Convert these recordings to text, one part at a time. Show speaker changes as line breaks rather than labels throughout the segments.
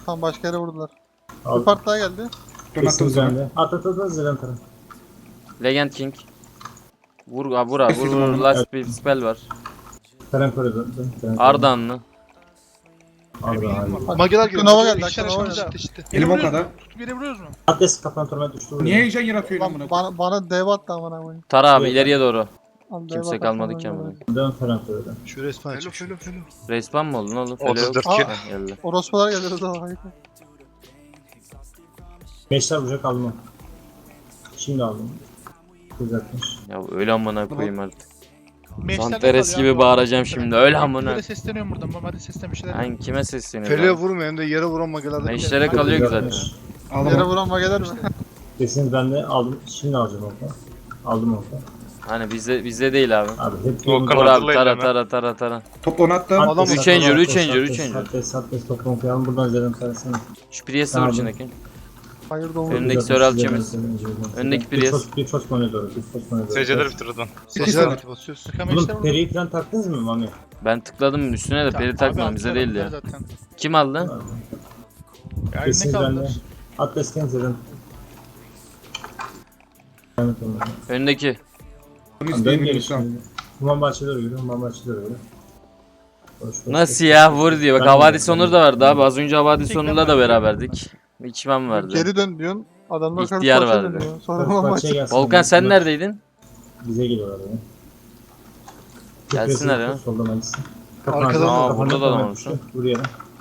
Tamam başka yere vurdular.
Al.
Bir part daha geldi.
Kesin
sana.
bende. At zeden tarafı.
Legend King. Vur abi vur abi vur
Kesildim
vur.
onu.
Last bir spell var.
Karen koridor.
Ardahanlı.
Arda.
Mageler geliyor.
Nova
Mageler
geldi,
işler
Nova
aşağımızda.
geldi.
İşte.
Elim o kadar.
Tutup yere vuruyoruz mu?
Atlas kapan torment düştü.
Niye heyecan yaratıyor lan bunu?
Bana dev attı amına koyayım.
Tara abi
Evet.
ileriye doğru.
Al, dev
Kimse
atarsan
kalmadı ki
öyle
amına.
olur.
Dön Karen koridor.
Şu resmen açık. Felo.
Respawn mı oldun oğlum? Felo yok.
34
Aa.
kill.
Ha, geldi.
Orospular geldi o zaman.
Beşler vuracak aldım. Şimdi aldım. Düzeltmiş.
Ya öyle amına koyayım artık.
Meşlerle
Zanteres
kalıyor
gibi
abi.
bağıracağım şimdi. Öyle amına.
Böyle sesleniyorum buradan. Hadi seslen bir şeyler.
Ben kime sesleniyorum?
Felo'ya
abi?
vurmuyor hem de yere vuran magelerden.
Meşlere kalıyor ki zaten.
Yere
Ağlama.
vuran mageler mi?
Kesin ben de aldım. Şimdi alacağım orta. Aldım orta.
Hani bizde değil abi.
Abi hep
Volkan
Vur abi
hatırlayın
tara
hemen.
tara tara tara.
Topla onu attım.
Adam-
Üç injur, üç injur, üç injur.
Atlas toplam koyalım buradan zeden tarafına.
Şu Priest'e
Tamam.
vur içindeki.
Hayır da vurdu.
Önündeki Söral Çemiz. Öndeki Priest.
Bir çok konuya doğru. Bir çok konuya doğru.
SC'leri bitir oradan.
Sesler atı basıyoruz. Sıkan meşler
Oğlum
vuruyor.
periyi falan taktınız mı Mami?
Ben tıkladım üstüne de peri takmadım bize değildi ya.
Zaten.
Kim aldı?
Ya
Kesin
ne
bende.
kaldılar?
Atlas zeden. Evet oğlum.
Öndeki.
Bunu
Dön
isteyemiyorum
geri
şu an.
şimdi. Human bahçeleri yürü. Human bahçeleri yürü.
Nasıl ya vur diyor. Bak
Ben-
Havadis Onur da vardı abi. Az önce Havadis Onur'la da beraberdik. İçmem vardı.
Geri dön diyorsun. Adamlar
İhtiyar
karşı
vardı.
dönüyor. Sonra maç.
Volkan sen neredeydin?
Bize geliyorlar yani.
Gelsinler ya.
Soldan hangisi?
Arkadan-
Aa, burada da adam olmuş lan.
Buraya.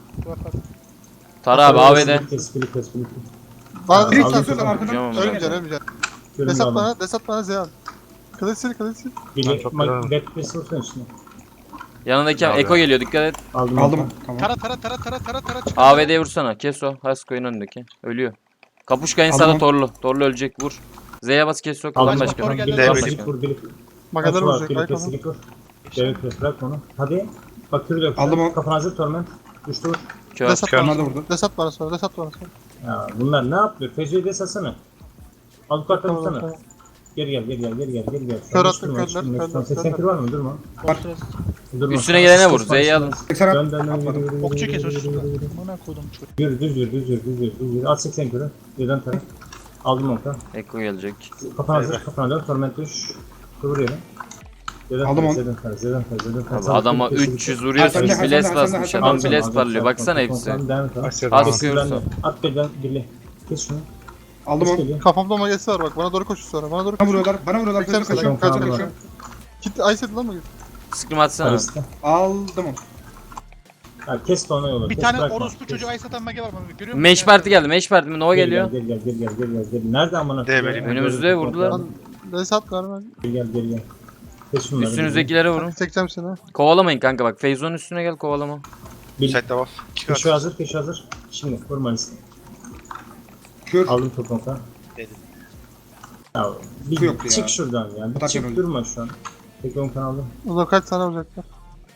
Tara abi AVD.
Kes.
Bana
Biri
Aldım.
desat
kesiyorlar arkadan.
Hocam ama.
Ölmeyeceksin ölmeyeceksin. Desat bana Zeyan. Kılıç sil.
Bili,
çok
Depresi olsun içine.
Yanındaki
Abi.
Eko geliyor dikkat et.
Aldım.
Aldım. Tamam.
Tara. çık.
AVD'ye vursana. Kes o. Hasko'nun önündeki. Ölüyor. Kapuşkayın
Aldım
sağda
onu.
Torlu. Torlu ölecek vur. Z'ye bas kes o. Kalan
Aldım.
başka.
motoru geldi.
Bili,
Kalan
Bili,
başka.
vur, Bili.
Magalar
Kaç var?
vuracak.
Bili,
Ay
kes,
tamam.
Bili, vur. Devlet kes, bırak onu. Hadi. Bak kürü dök.
Aldım o.
Kafana hazır torment. Düştü vur.
Kör.
Desat
Onlar da
bana.
vurdu.
Desat bana sonra.
Ya bunlar ne yapıyor? Fecrü'yü de satsana. Al yukarıdan tutsana.
Tamam.
Geri gel.
Kör
Sen
attın,
durma,
körler,
şimdi
körler,
80
körler.
kür var mı? Durma. Durma.
Üstüne gelene vur. Z'yi alın.
80 at.
Dön, yürü.
Okçu kes uçsunlar. Bana koydum çocuğu.
Yürü, düz yürü. At 80 kürü. Birden taraf. Aldım orta.
Eko gelecek.
Kafana hazır, kafana dön. Torment düş. Kıvır yere.
Aldım onu.
Zeden taraf.
Abi adama 300 vuruyorsunuz.
Hasan,
Biles
Hasan,
basmış.
Hasan,
Adam
Hasan,
biles parlıyor. Baksana hepsi.
Asya'da
Az
var.
kırsa.
At birden birli. Kes şunu.
Aldım onu.
Geliyor.
Kafamda magesi var bak. Bana doğru koşuyor sonra. Bana doğru
Bana
koşuyor.
vuruyorlar. Bana vuruyorlar.
Kaçar,
Kaçıyorum.
kaçar,
Kaçıyorum.
kaçar.
Kit Ice lan mı?
Sıkım atsana.
Arası.
Aldım onu.
Ha, kes de ona yola.
Bir
kes,
tane
bırakma.
orospu
Kes.
çocuğu ay satan mage var mı? Görüyor musun?
Meş parti geldi. Meş parti mi? Nova
Gel,
geliyor.
Gel. Nerede amına?
Değmeli.
koyayım?
Önümüzde vurdular.
Lan Desat var ben.
Gel. Kes şunları.
Üstünüzdekilere vurun.
Çekeceğim seni.
Kovalamayın kanka bak. Feyzo'nun üstüne gel kovalama.
Site buff.
Keşi hazır. Şimdi vurma liste.
Kür.
Aldım toplantı.
Dedim.
Ya bir
Bu yoktu
çık
ya.
şuradan ya. Bir
Zaten
çık
öyle.
durma şu an. Tek 10 kanalı.
O da kaç tane vuracaklar?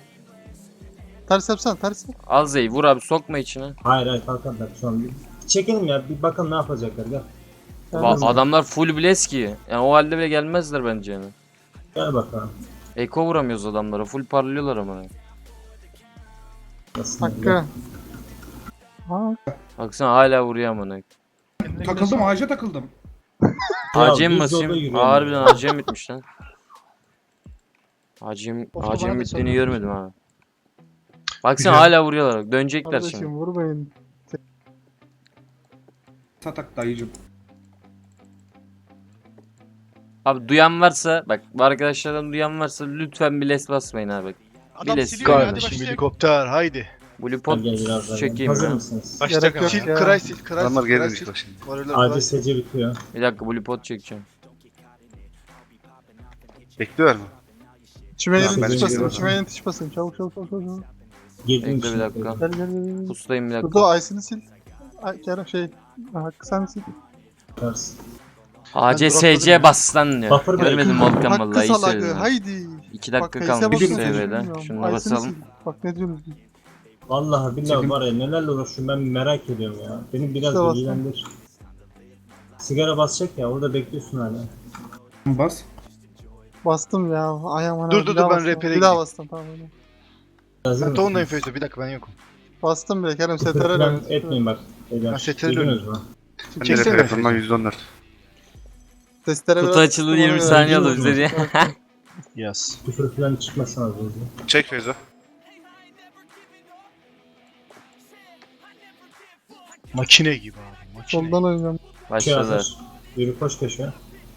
Ters yapsana ters yap.
Al Z'yi vur abi sokma içine.
Hayır kalkanlar şu an. Bir çekelim ya bir bakalım ne yapacaklar gel.
Adamlar full bless ki. Yani o halde bile gelmezler bence yani.
Gel bakalım.
Eko vuramıyoruz adamlara. Full parlıyorlar ama.
Nasıl
Hakkı. Ha,
Baksana hala vuruyor amına.
Takıldım. Ağaca takıldım.
ACM
düz
basayım.
yolda yürüyorum.
Harbiden ACM bitmiş lan. ACM
Of, bana da
bittiğini
sanırım.
görmedim ha. Baksana
Güzel.
hala vuruyorlar. Dönecekler
kardeşim
şimdi.
vurmayın.
Satak dayıcım.
Abi duyan varsa bak bu arkadaşlardan duyan varsa lütfen bless basmayın abi.
Adam
Biles.
siliyor ya hadi
Kardeşim
başlayalım.
helikopter haydi.
Blue pot
Gel biraz daha.
çekeyim
Hazır
ya.
mısınız?
Başlayacak
Gerek yok
ama.
ya.
Cry sil.
Adamlar geri düştü bak şimdi.
Acil SC bitiyor.
Bir dakika blue pot çekeceğim.
Bekliyor mu?
Çimeyenin
Ben
tiş
de
basayım.
geliyorum.
Çimeyenin tiş basayım. Çabuk.
Girdim
Bekle bir dakika.
Gel.
Pustayım bir dakika.
Burada Ice'ini sil. Ay Kerem Hakkı sen sil.
ACSC bassan diyor.
Buffer
Görmedim
break.
Volkan
Hakkı
vallahi iyi
salakı.
söyledin.
Haydi.
2
Bak,
dakika
Kayısı'ya
kalmış
basıyorum,
SV'de.
bilmiyorum.
Şunu
Ice'ini
basalım.
sil. Bak ne diyorsunuz?
Vallahi billahi var ya nelerle uğraşıyorum ben merak ediyorum ya. Beni biraz
İşte
bilgilendir. Sigara basacak ya orada bekliyorsun hala.
Bas.
Bastım ya. Ay aman
Dur,
abi,
dur,
bir daha
ben
bastım.
RP'ye
Bir daha
gideyim.
bastım tamam öyle.
Hazır
Ben
mısın?
Toğun'dayım Feyzo. Bir dakika ben yokum.
Bastım bile Kerem
Küfür
STR'yle
falan
oynuyor.
etmeyin bak. Beyler.
Ben STR'yle
Duydunuz mu?
Ben de
Çeksene.
telefondan 114.
Testere
Kutu
biraz
açıldı
kıstım,
20
ona
saniye
göre.
alır bize diye.
Yaz.
Küfür falan çıkmasın az önce.
Çek Feyzo.
Makine gibi abi. Makine.
Soldan oynayacağım.
Şey
Başladılar.
hazır. Yürü koş köşeye.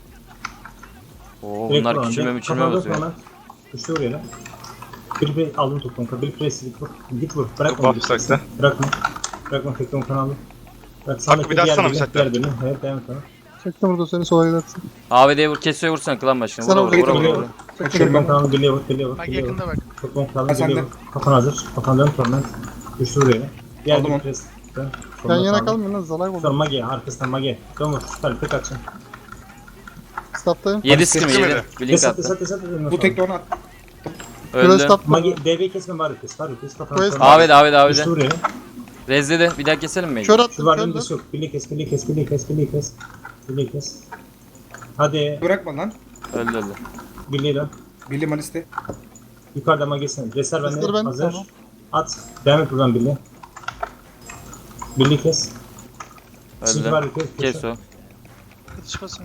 Oo,
Direkt
bunlar
vur
küçülme
önce.
müçülme
Kafanda
basıyor.
sonra. Güçlü vuruyor lan. Bir aldım topunu. Bir presilik vur. Git vur. Bırakma.
Buff
git.
sakla.
Bırakma. Bırakma tekrar kanalı. Bak
Hakkı
sağdaki
bir daha
diğer
atsana bir
birini,
sakla.
diğer birini. Evet devam et sana.
Çektim burada seni sola gidersin.
AVD'ye vur, kesiyor vursan klan başına.
Sana
Vura vura vura
vurayım,
vura.
Açıyorum
Toplam
ben.
kanalı birliğe vur. Birliğe vur.
Bak
Birliğe vur.
yakında bak.
Toplam kanalı
Ha,
birliğe
sende.
vur. Kafan hazır. Kafan dön torment. Güçlü vuruyor. Diğer
Aldım
bir
onu.
pres.
Yan yana kalmayın lan zalay
Sonra
oldu.
mage arkasından mage. Dön vur. Süper tek açın.
Staff'tayım.
7 skim
Kesme
7.
beni.
Blink
Desat
attı.
desat desat.
Bu tekli onu at.
Şurada
Öldü.
staff var.
Mage DB kesme bari kes. Var kes kafana.
Quest-
AVD
Güçlü
AVD.
vuruyor.
Rezledi. Bir daha keselim mi?
Kör
Şu
attım
var
kör
önünde
lan.
yok. Birliğe kes. Birliğe kes. Birliğe kes. Birliğe kes. Birliğe kes. Hadi.
Bırakma lan.
Öldü öldü.
Birliğe dön.
Billy Maliste.
Yukarıda magesine. Reser bende.
Reser bende,
Hazır.
tamam.
At. Devam et buradan birliğe. Birliğe kes. Şimdi var
Öldü.
kes.
Kes o.
Kılıç basın.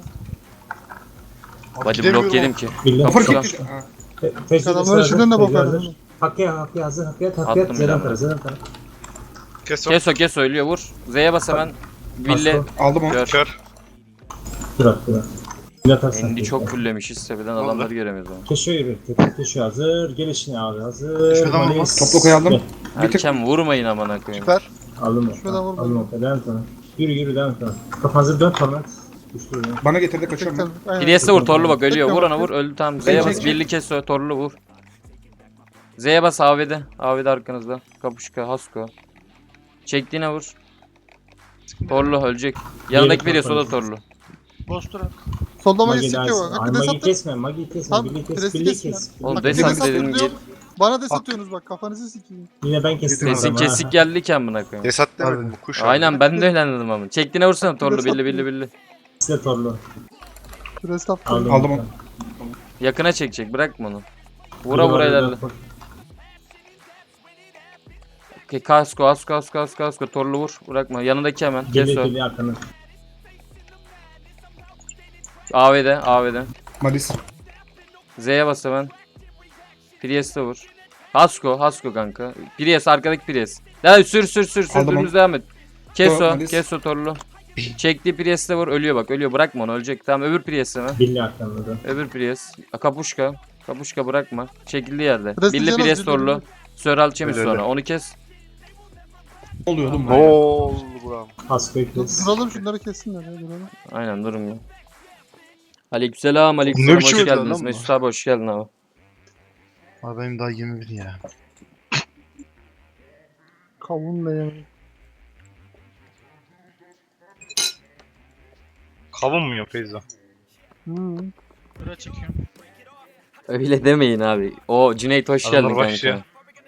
Hadi blok yedim ki.
Birliğe.
Kapı
Fark
Tamam.
etti. Ha.
Adamlar içinden de bakar.
Hakkı'ya hazır. Hakkı'ya
Attım
Zeden
bir
tara. Zeden tara.
Kes o.
Kes o ölüyor vur. Z'ye bas hemen. Ville.
Aldım onu.
Gör.
Kör.
Dur at. Bir atarsan.
Endi çok fullemişiz tepeden adamları göremiyoruz ama.
Keşiyor yürü. Keşiyor hazır. Gelişine abi hazır.
Şuradan
Malis.
olmaz.
Toplu koyalım.
Gel.
Bir tık.
Erken vurmayın amına koyayım.
Süper.
Aldım
Şuradan vur
Aldım o. Devam et sana. Yürü devam et sana. Kafan hazır dön torment. Güçlü yürü.
Bana getirdi kaçıyorum ben.
Çektim. Aynen.
Priest'e vur torlu bak ölüyor. Vur ona vur öldü tamam. Z'ye
Çek,
bas
çek.
birli kes o torlu vur. Z'ye bas AVD. AVD arkanızda. Kapuşka Hasko. Çektiğine vur. Torlu ölecek. Yanındaki
Diğeri
Priest o da
kapalı.
torlu.
Bostur at.
Solda magi
Magi
sikiyor bak.
Ay
Hakkı
Magi
desat.
kesme. Magi kesme.
Tamam,
Birliği kes.
presi
Birliği
kesin
kes.
Oğlum
Bak,
desat
desat
dedim
diyor.
gel.
Bana des atıyorsunuz bak kafanızı sikeyim.
Yine ben kestim.
Sesin
adamı, ha.
kesik geldi ki amına koyayım.
Desat demedim bu kuş.
Aynen ben de öyle anladım ama. Çektiğine vursana torlu
Desat
billi billi billi.
Size torlu.
Şurada staff'tayım.
Aldım onu.
Yakına çekecek bırakma onu. Vura vura ilerle. Okey, kasko torlu vur bırakma yanındaki hemen kes
Geliyor
o.
geliyor arkanı.
AVD
Malis.
Z'ye bas hemen. Priest'e vur. Hasko kanka. Priest arkadaki Priest. Daha sür
Aldım
dümdüz devam et. Kes
Tor,
o
Malis.
kes o torlu. Çektiği Priest'e vur ölüyor bak ölüyor bırakma onu ölecek. Tamam öbür Priest hemen.
Billi arkanı da.
Öbür Priest. Kapuşka bırakma. Çekildiği yerde.
Priest
Billi
diyeceğim,
Priest
billi,
torlu.
billi.
Söral Çemiz
Öyle,
sonra
öyle.
onu kes.
Ne oluyor oğlum?
Ne oldu buram?
Hasko'yu kes.
Duralım şunları kessinler ya duralım.
Aynen durun ya. Aleykümselam
Ne
hoş
biçim ödüler
geldiniz.
lan bu?
Mesut abi hoş geldin abi.
Abi benim daha 21 ya.
Kavunla yemeği.
Kavun mu yok Feyzo?
Buraya çekiyorum.
Öyle demeyin abi. O Cüneyt hoş
Adamlar
geldin kanka.
başlıyor.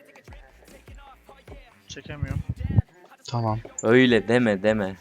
Çekemiyorum.
Tamam.
Öyle deme.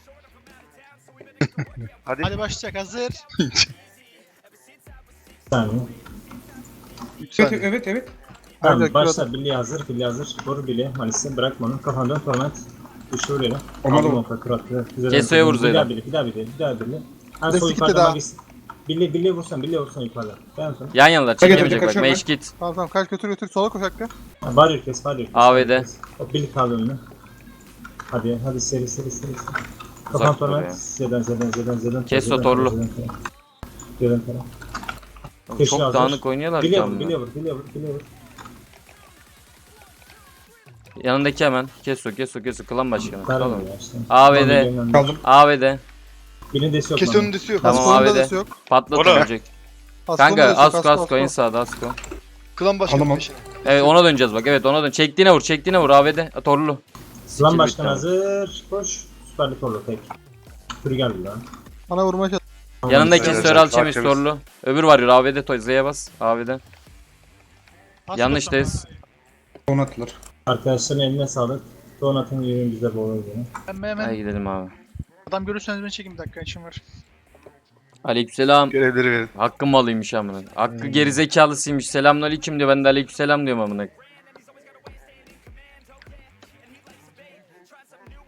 Hadi.
Hadi başlayacak hazır.
Bir saniye.
Evet.
Tamam
Aynen,
başla. Billi hazır. Billi hazır. Vur Billi. Malis'e bırakma onu. Kafan dön torment. Güçlü vuruyor.
Ona da
Aldım
vur.
o kıratlı.
Keso'ya vur Zeydan.
Bir daha Billi. En
Destek
sol
gitti
yukarıda
daha.
Magis. Billi vursan yukarıda. Devam sonra.
Yan yanalar
Kaç
çekemeyecek bak.
kaçıyorum
Meş git.
Tamam kaç götür sola koş Hakkı.
Var kes.
AVD.
O Billi kaldı önüne. Hadi seri. Kafan
Uzak dur
torment.
ya.
Zeden.
Kes o torlu.
Zeden.
Oğlum,
Keşke
çok
hazır.
dağınık oynuyorlar ki
Billi
amına.
vur.
Yanındaki hemen. Kes o. Klan başkanı.
Tamam
Tamam.
ya işte.
AVD.
Kaldım.
AVD.
Birinin desi yok.
Kes
lan.
önündesi yok.
Tamam,
Askon'un da
AVD.
desi yok.
Patlat
Ora.
ölecek.
Askon'un
Kanka
da desi yok,
Asko en sağda Asko.
Klan başkanı
Alamam.
peşine.
Evet ona döneceğiz bak. Evet ona dön. Çektiğine vur AVD. Torlu.
Lan
Skill
başkan
bitti.
hazır. Koş. Süperli torlu tek. Sürü geldi lan.
Bana vurmaya çalış.
Yanındaki
Söyle,
Söral
Söyle,
Çemiz
Çemiz.
torlu. Öbür var ya AVD toy Z'ye bas. AVD.
Bas
Yanlıştayız.
Onu attılar.
Arkadaşların eline sağlık. Donatın yürüyün bize bol oyunu.
Ben hemen
Hadi gidelim abi.
adam görürseniz beni çekin bir dakika işim var.
Aleykümselam.
Görevleri verin.
Hakkım malıymış amına. Hakkı gerizekalısıymış. Selamünaleyküm diyor. Ben de aleykümselam diyorum amına.